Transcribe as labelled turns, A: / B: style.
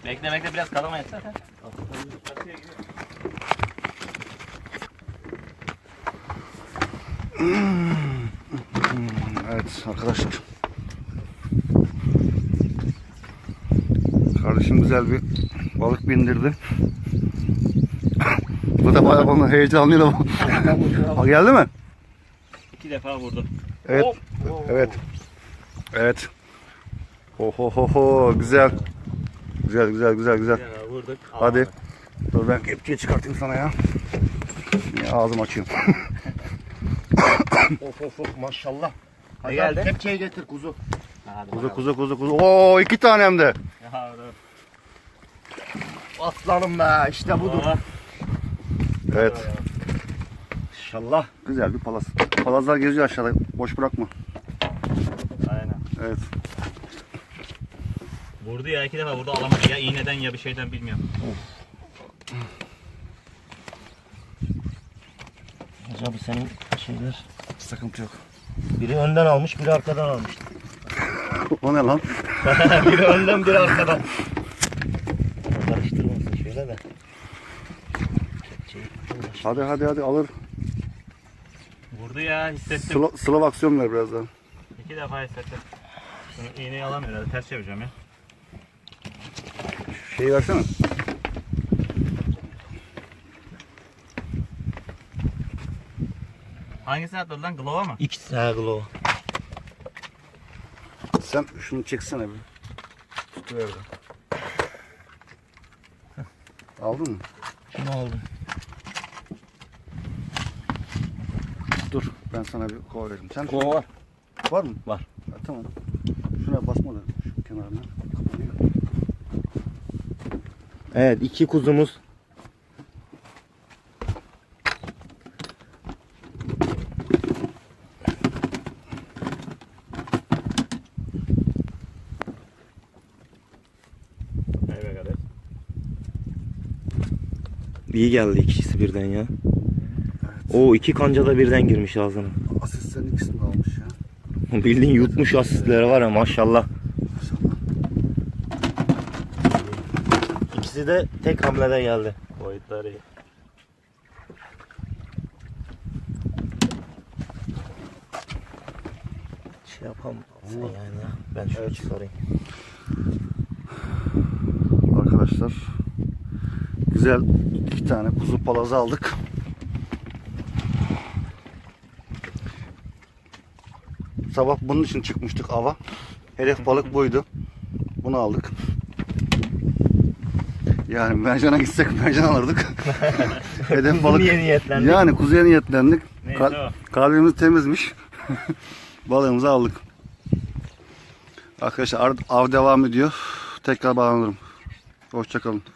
A: Bekle bekle biraz kalamayız zaten.
B: Evet arkadaşlar. Kardeşim güzel bir balık bindirdi. Bu da bayağı bana heyecanlıydı ama. Ha, geldi mi?
A: 2 defa vurdu.
B: Evet.
A: Hop.
B: Evet. Evet. Ho güzel. Güzel.
A: Ya, vurduk.
B: Hadi. Dur ben kepçeyi çıkartayım sana ya. Niye ağzımı açıyorum.
C: Of maşallah.
A: Ne geldi?
C: Kepçeyi getir kuzu.
B: Kuzu. Oo 2 tane hem de.
A: Ya, dur.
C: Aslanım be işte budur.
A: Aa,
B: Evet.
C: İnşallah.
B: Güzel bir palaz. Palazlar geziyor aşağıda. Boş bırakma.
A: Aynen.
B: Evet.
A: Vurdu ya 2 defa vurdu, alamadı ya iğneden ya bir şeyden bilmiyorum.
C: Abi senin şeyler.
B: Sıkıntı yok.
C: Biri önden almış, biri arkadan almış.
B: O ne lan?
C: Biri önden, biri arkadan. Karıştırmasın şöyle de.
B: Hadi alır.
A: Vurdu ya, hissettim.
B: Slav aksiyon ver biraz daha.
A: 2 defa hissettim. Şunu iğneyi alamıyor herhalde, ters çevireceğim ya.
B: Şeyi versene.
A: Hangisini atladı lan, glova mı?
C: İkisi ha glow.
B: Sen şunu çeksene bir. Tutuver de. Aldın mı?
C: Şunu aldım.
B: Dur ben sana bir kova vereyim. Sen
C: Kova.
B: var mı?
C: Var.
B: Ha, tamam. Şuna basma da şu kenarına. Kapanıyor.
C: Evet 2 kuzumuz.
A: Evet kardeş.
C: İyi geldi ikisi birden ya. O 2 kanca da birden girmiş ağzına.
B: Asistlerin ikisini de almış ya.
C: Bildiğin yutmuş asistleri var ya maşallah.
B: Maşallah.
C: İkisi de tek hamlede geldi.
A: Boyutları iyi.
C: Şey yapalım sen yani ya. Ben şöyle çıkarayım.
B: Arkadaşlar güzel 2 tane kuzu palazı aldık. Sabah bunun için çıkmıştık ava. Hedef balık buydu. Bunu aldık. Yani mercana gitsek mercan alırdık. Hedef balık.
C: Niye niyetlendik?
B: Yani kuzuya niyetlendik.
A: Neyse o.
B: Kalbimiz temizmiş. Balığımızı aldık. Arkadaşlar av devam ediyor. Tekrar bağlanırım. Hoşça kalın.